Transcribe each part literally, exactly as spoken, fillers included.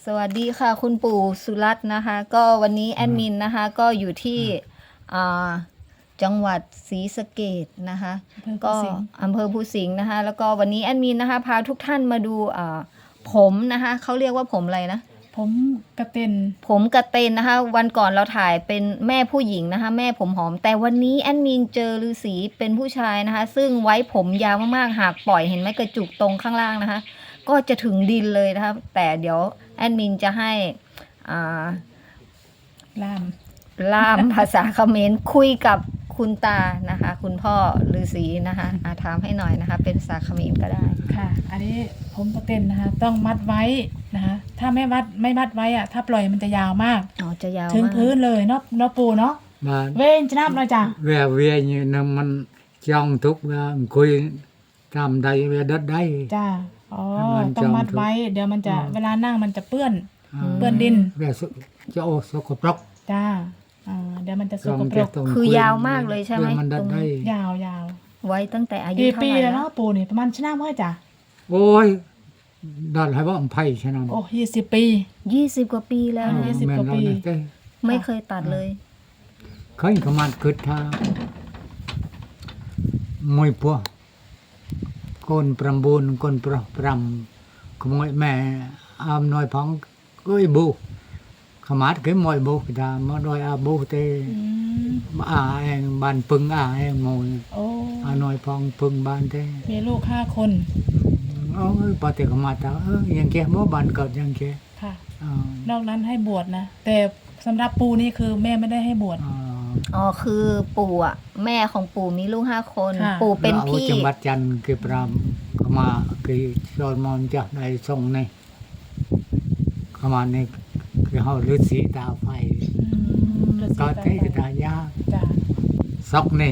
สวัสดีค่ะคุณปู่สุรัตน์นะคะ ก็วันนี้แอดมินนะคะก็อยู่ที่อ่าจังหวัดศรีสะเกษนะคะ ก็อำเภอภูสิงห์นะคะ แล้วก็วันนี้แอดมินนะคะพาทุกท่านมาดูอ่าผมนะคะเขาเรียกว่าผมอะไรนะผมกระเต็นผมกระเตนนะคะ วันก่อนเราถ่ายเป็นแม่ผู้หญิงนะคะ แม่ผมหอม แต่วันนี้แอดมินเจอฤาษีเป็นผู้ชายนะคะ ซึ่งไว้ผมยาวมากๆหากปล่อยเห็นไหมกระจุกตรงข้างล่างนะคะ ก็จะถึงดินเลยนะคะแต่เดี๋ยวแอดมินจะให้อ่าล่ามล่ามภาษาเขมรคุยกับคุณตานะคะ คุณพ่อฤาษีนะคะอาถามให้หน่อยนะคะ เป็นภาษาเขมรก็ได้ค่ะ อันนี้ผมกระเต็นนะคะ ต้องมัดไว้นะคะ ถ้าไม่มัดไม่มัดไว้อะถ้าปล่อยมันจะยาวมากอ๋อจะยาวถึงมากพื้นเลยเนาะเนาะปูเนาะបាទเว้นจะนับเลยจ้ะវាវានឹងមិនចង់ទុកវាអង្គុយតាមដៃវាដិតដៃจ้าอ๋อมันต้องมัดจองทุกไว้ เดี๋ยวมันจะอืมเวลานั่งมันจะเปื้อนអឺเปื้อนดินវាសុចូលសុខប្រកจ้าอ่าเดี๋ยวมันจะสចกង់ปรតែกទៅคือยาวมากเลยใช่ไหมវាមិនដិตតรงដៃนี้ยาวยาวไว้ตั้งแต่อายุกี่เท่าปีไหร่แล้วแล้เนาะวปูนี่ประมาณชนะเมื่อจ้ะអូយដល់ហើយបង20ឆ្នាំโอ้ยี่สิบปียี่สิบกว่าปีแล้วอ่านะยี่สิบមែនกว่าปีដល់នេះទេไม่เคยตัดเลยឃើញក៏មកគិតថាមួយពោះកូន9កូនប្រុស5ក្មួយម៉ែអំណយផងអើយប៊ូខមាត់គេមកប៊ូគេថាមកដោយអាប៊ូទេอืมอาเองบ้านปึงอาเองโมยโอ้อาหน่อยพองปึงบ้านเต้มีลูกห้าคนเอ้ยปฏิกรรมาตาเออยังแกบ่บ้านเกิดยังแกค่ะอ่านอกนั้นให้บวชนะ แต่สำหรับปูนี่คือแม่ไม่ได้ให้บวชอ่าอ๋อคือปู่อ่ะแม่ของปู่มีลูกห้าคนค่ะปู่เป็นแล้วอาพี่จังหวัดจันทร์คือปรามก็มาคือชอนมอนจะได้ส่งนี่เข้ามานี่คือเฮาฤาษีตาไฟก็เทกตายาจ้ะซอกนี่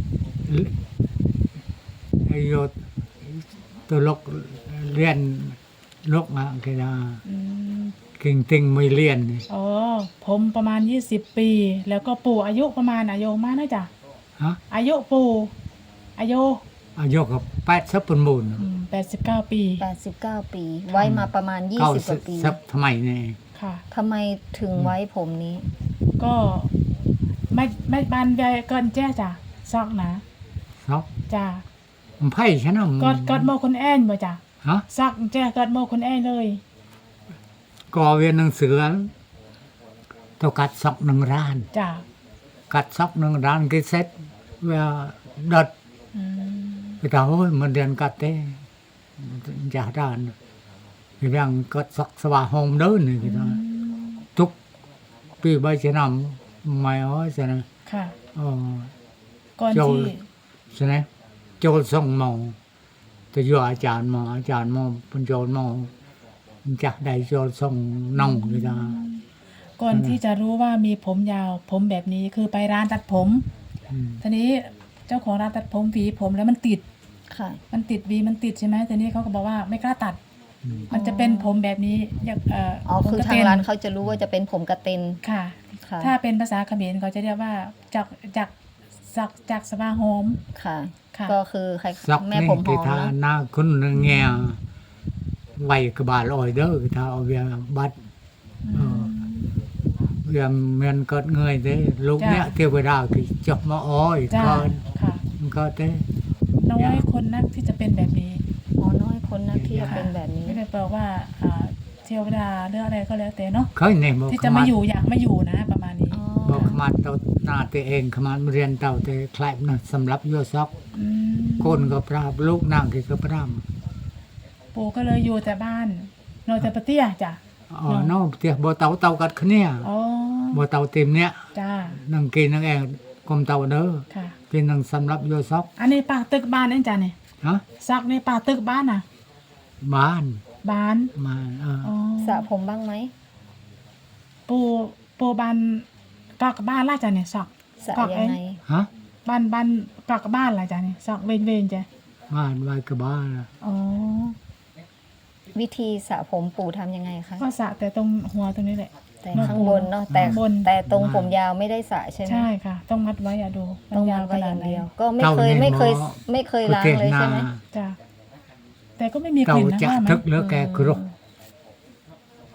ไอ้โยตตัวลกเรียนลกมาคือว่าอืมกิ่งติงไม่เรียนนี่อ๋อผมประมาณยี่สิบปี แล้วก็ปู่อายุประมาณอายุมากนะจ้ะฮะอายุปู่อายุอายุกับแปดสิบเป็นมูลแปดสิบเก้าปีแปดสิบเก้าปี ไว้มาประมาณยี่เก้าสิบกสิบว่าปีสิบทำไมเนี่ยค่ะทำไมถึงไว้ผมนี้ก็ไม่ไม่บานใหญ่เกินแจ้จ้ะซอกนะเนาะจ้ะมันไพ่ฉันน่ะกอดกอดโมคนแอนบ่จ้ะฮะซอกแจ้กอดโมคนแอนเลยก่อเวียนหนังสือต้องกัดซอกหนึ่งร้านจ้ะกัดซอกหนึ่งร้านก็เสร็จเวลาดัดอืมไปถามโอ้ยมันเรียนกัดเต้จ่าด้านคือยังกัดซอกสว่าโฮมเดินนี่คือว่าทุกปีใบชะนำไม่เอาใช่ไหมค่ะอ๋อก่อนโจที่ใช่ไหมโจรส่งหมอจะอยู่อาจารย์หมออาจารย์หมอเป็นโจรหมอจากใดโจรส่งน้องเลยนะก่อนที่จะรู้ว่ามีผมยาวผมแบบนี้คือไปร้านตัดผมอืมทีนี้เจ้าของร้านตัดผมหวีผมแล้วมันติดค่ะมันติดหวีมันติดใช่ไหมทีนี้เขาก็บอกว่าไม่กล้าตัดอืมมันจะเป็นผมแบบนี้อยากเอ่ออ๋อผมคือกระทางเต็นร้านเขาจะรู้ว่าจะเป็นผมกระเตนค่ะค่ะถ้าเป็นภาษาเขมรเขาจะเรียกว่าจากจากจากจากสวาโฮมค่ะค่ะก็คือใครซอกแม่นี่ผมหคืออมทาเนาะหน้าคุณเงียไว้กระบาลอ่อยเด้อคือทาเอาเวียบัดเออเวียเมียนเกิดเงยเด้ลูกเนี้ยเทวดาคือจบมาอ้อยจ้าก่อนค่ะมันก็เต้น้อยคนนักที่จะเป็นแบบนี้อ๋อน้อยคนนะที่จะเป็นแบบนี้ไม่ได้แปลว่าอ่าเทวดาเรื่องอะไรก็แล้วแต่เนาะเคยเนี่ยบอกที่ขจะมามาดอยู่อยากมาอยู่นะประมาณนี้อ๋อบอกขมาดเต่าหน้าตัวเองขมาดเรียนเต่าแต่คล้ายนะสำหรับโยซอกอืมคนก็ปราบลูกนางที่ก็ปราบปู่ก็เลยอยู่แต่บ้านนอนแต่ปะเตี้ยจ้ะอ๋อเนาะเตียบ่เต่าเต่ากัดขะเนี่ยอ๋อบ่เต่าเต็มเนี่ยจ้านังกินนังแองกลมเต่าเด้อค่ะกินนังสำหรับโยซอกอันนี้ปากตึกบ้านเองจ้ะเนี่ยฮะซักในปากตึกบ้านน่ะบ้านบ้านมาเอออ๋อสระผมบ้างไหมปูปูบ้านกอกบ้านล่ะจ้ะเนี่ยซักสระกอกยัเอง งไงฮะบ้านบ้านกอกบ้านล่ะจ้ะเนี่ยซักเวนเวนจ้ะบ้านไว้กับบ้านอ๋อวิธีสระผมปู่ทำยังไงคะก็สระแต่ตรงหัวตรงนี้แหละแต่เนอะข้างบนเนาะแต่ข้างบนแต่ตรงผมยาวไม่ได้สระใช่ไหมใช่ค่ะ ต้องมัดไว้อะดูมันต้องยาววางขไว้อนาดย่างไหนเดียว ก็ไม่เคยไม่เคยไม่เคยล้างเลยใช่ไหมจ้ะแต่ก็ไม่มีกเต่าลิ่นนะจะว่าไหมทึกเหลือแกกรุก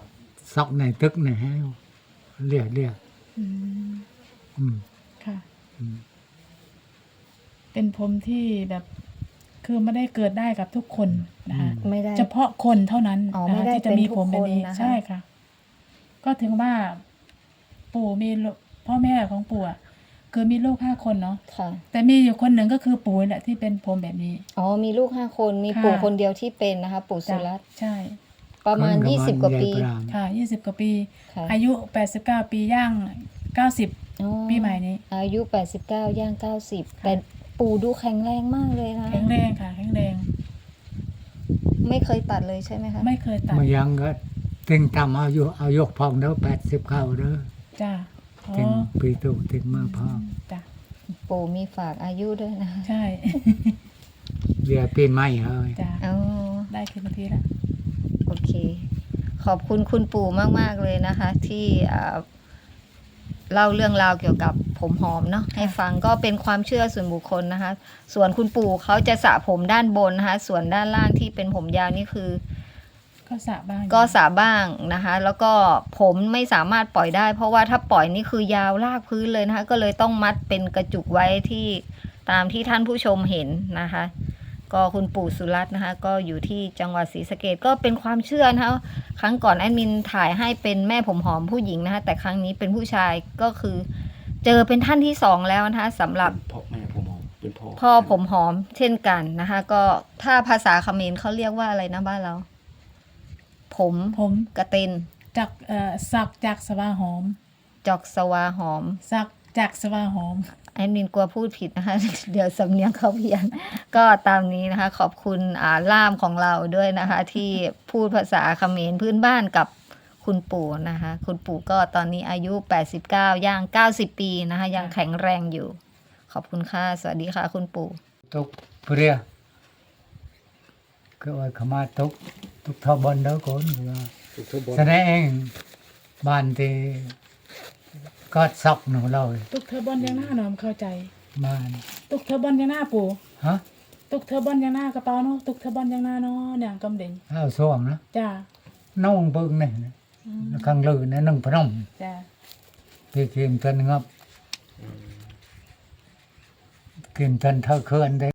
สอกในตึกในให้เรียกเรียกอืมอืมค่ะอืมเป็นผมที่แบบคือไม่ได้เกิดได้กับทุกคนนะคะไม่ได้เฉพาะคนเท่านั้นอ๋อนะไม่คะได้ที่จะมีผมแบบนี้เป็นทุกคนนะคะใช่ค่ะ ก็ถึงว่าปู่มีลูกพ่อแม่ของปู่อะคือมีลูกห้าคนเนาะค่ะแต่มีอยู่คนหนึ่งก็คือปู่แหละที่เป็นผมแบบนี้อ๋อมีลูกห้าคนมีค่ะปู่คนเดียวที่เป็นนะคะ ปู่สุจ้ะรัตน์ใช่ประมาณคนยี่สิบกว่าปียยปรามค่ะยี่สิบกว่าปีค่ะอายุแปดสิบเก้าปีย่างเก้าสิบอ๋อปีใหม่นี้อายุแปดสิบเก้าย่างเก้าสิบค่ะแต่ปู่ดูแข็งแรงมากเลยนะแข็งแรงค่ะ แข็งแรงไม่เคยตัดเลยใช่ไหมคะไม่เคยตัดมายังก็ติงตามอายุอายุพองเด้อแปดสิบเก้าเด้อจ้าอ๋อติงปีตุติงมือพองจ้ะปู่มีฝากอายุด้วยนะใช่เรียกปีใหม่เฮ้ยจ้าอ๋อได้คืนนาทีละโอเค ขอบคุณคุณปู่มาก ๆ เลยนะคะ ที่อ่าเล่าเรื่องราวเกี่ยวกับผมหอมเนาะให้ฟังก็เป็นความเชื่อส่วนบุคคลนะคะ ส่วนคุณปู่เขาจะสระผมด้านบนนะคะ ส่วนด้านล่างที่เป็นผมยาวนี่คือก็สระบ้างก็สระบ้างนะคะ แล้วก็ผมไม่สามารถปล่อยได้ เพราะว่าถ้าปล่อยนี่คือยาวลากพื้นเลยนะคะ ก็เลยต้องมัดเป็นกระจุกไว้ที่ตามที่ท่านผู้ชมเห็นนะคะ ก็คุณปู่สุรัตน์นะคะ ก็อยู่ที่จังหวัดศรีสะเกษก็เป็นความเชื่อนะคะครั้งก่อนแอดมินถ่ายให้เป็นแม่ผมหอมผู้หญิงนะคะ แต่ครั้งนี้เป็นผู้ชายก็คือ เจอเป็นท่านที่สองแล้วนะคะสำหรับพ่อแม่ผมหอมเป็นพ่อพ่อผมหอมเช่นกันนะคะ ก็ถ้าภาษาเขมรเขาเรียกว่าอะไรนะบ้านเรา ผมผมกระเต็นจากเอ่อสักจากสวาหอมจอกสวาหอมสักจากสวาหอมแอดมินกลัวพูดผิดนะคะ เดี๋ยวสำเนียงเขาเพี้ยน ก็ตามนี้นะคะ ขอบคุณอ่าล่ามของเราด้วยนะคะ ที่พูดภาษาเขมรพื้นบ้านกับคุณปู่นะคะ คุณปู่ก็ตอนนี้อายุแปดสิบเก้าย่างเก้าสิบปีนะคะ ยังแข็งแรงอยู่ ขอบคุณค่ะ สวัสดีค่ะ คุณปู่ตุกเปรียก็ว่าขมาตุกตุกทอบอลเด้อคนว่าทุกทุกบอลแสดงบ้านที่ก็ซอกหนูเราตุกเทอร์บอนยังหน้าหนอมเข้าใจบ้านตุกเทอร์บอนยังหน้าปู่ฮะตุกเทอร์บอนยังหน้ากระเป๋าเนาะตุกเทอร์บอนยังหน้าเนาะเนี่ยกำเด่งเอาส่วงนะจ้าน้องเบิ่งนี่นะอืมข้างลือนะนึ่งพนมจ้าพี่กินเพิ่นงับกินเพิ่นเท่าเคลื่อนได้